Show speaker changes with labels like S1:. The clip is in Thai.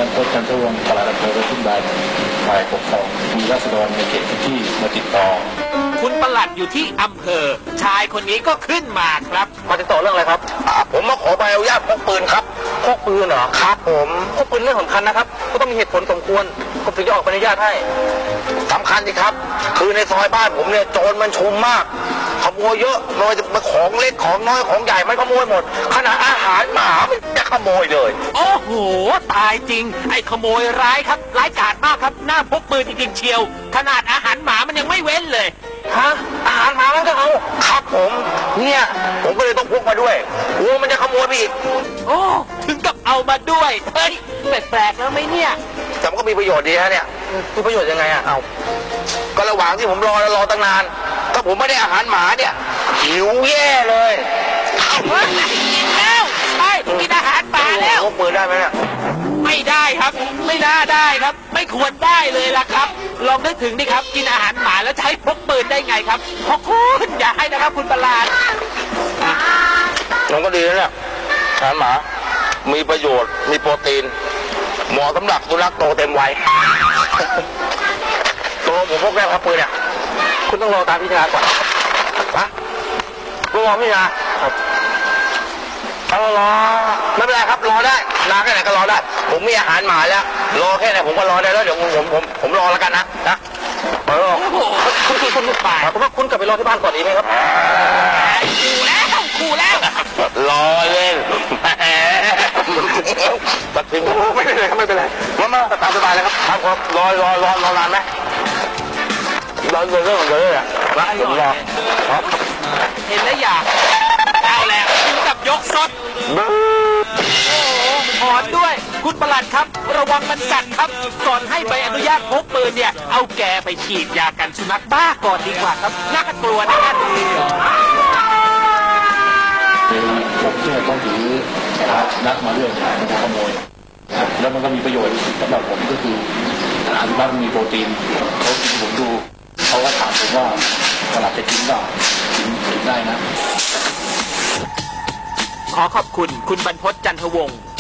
S1: รพจน์จันทวงศ์ปลัดอำเภอทุ่งใดฝ่ายปกครองมีราษฎรในเขตพื้นที่มาติดต่อ
S2: คุณปลัดอยู่ที่อำเภอชายคนนี้ก็ขึ้นมาครับ
S3: มาติดต่อเรื่องอะไรครับผมมาขอใบอนุญาตพกปืนครับพกปืนเหรอครับผมพกปืนเรื่องสำคัญนะครับก็ต้องมีเหตุผลสมควรผมถึงจะออกใบอนุญาตให้สำคัญสิครับคือในซอยบ้านผมเนี่ยโจรมันชุมมากขโมยเยอะไม่ว่าจะเป็นของเล็กของน้อยของใหญ่มันขโมยหมดขนาดอาหารหมามันจะขโมยเลย
S2: โอ้โหตายจริงไอ้ขโมยร้ายครับร้ายกาจมากครับหน้าพกปืนจริงๆเชียวขนาดอาหารหมามันยังไม่เว้นเลย
S3: ฮะอาหารหมามันก็เอาครับผมเนี่ยผมก็เลยต้องพกมาด้วยกลัวมันจะขโมยไปอีก
S2: โอ้ถึงกับเอามาด้วยเฮ้ยแปลกๆแล้วไหมเนี่ย
S3: แต่มันก็มีประโยชน์ดีฮะเนี่ยมีประโยชน์ยังไงอะเอาก็ระหว่างที่ผมรอตั้งนานถ้าผมไม่ได้อาหารหมาเนี่ยหิวแย่เลย
S2: เอากินแล้วใช่กินอาหารหมาแล้ว
S3: พกปืนได้ไหมเนี่ย
S2: ไม่ได้ครับไม่น่าได้ครับไม่ควรได้เลยล่ะครับลองนึกถึงดิครับกินอาหารหมาแล้วใช้พกปืนได้ไงครับพกคุณอย่าให้นะครับคุณประหลาด
S3: มันก็ดีนะเนี่ยอาหารหมามีประโยชน์มีโปรตีนเหมาะสำหรับสุนัขโตเต็มวัยตัวผมพกได้ครับปืนเนี่ยคุณต้องรอตามพิจารณาก่อนนะรอพิจารณาครับรอไม่เป็นไรครับรอได้นานแค่ไหนก็รอได้ผมมีอาหารหมาแล้วรอแค่ไหนผมก็รอได้แล้วเดี๋ยวผมรอแล้วกันนะ
S2: โอ้โหคุณลูกป่า
S3: ผมว่าคุณกลับไปรอที่บ้านก่อนดีไหมครับ
S2: ขู่แล้ว
S3: รอเล่นตัดทิ้งไม่เป็นไรครับไม่เป็นไรมาตามสบายเลยครับครับรอนานไหมรอเรื่องของเลยอ่ะนะผมรอ
S2: เห็นแล้วอยากเอาแล้วถึงกับยกซดโอ้ถอนด้วยคุณประหลัดครับระวังมันกัดครับก่อนให้ใบอนุญาตพกปืนเนี่ยเอาแกไปฉีดยากันสุนัขบ้าก่อนดีกว่าครับน่ากลัวนะ
S1: ผมเนี่ยต้องถือนักมาเรื่องมันจะขโมยแล้วมันก็มีประโยชน์สำหรับผมก็คืออาหารบ้านมีโปรตีนเขากินผมดูเขาก็ถามผมว่าตลาดจะกินเปล่ากินได้นะ
S2: ขอขอบคุณคุณบรรพต จันทวงศ์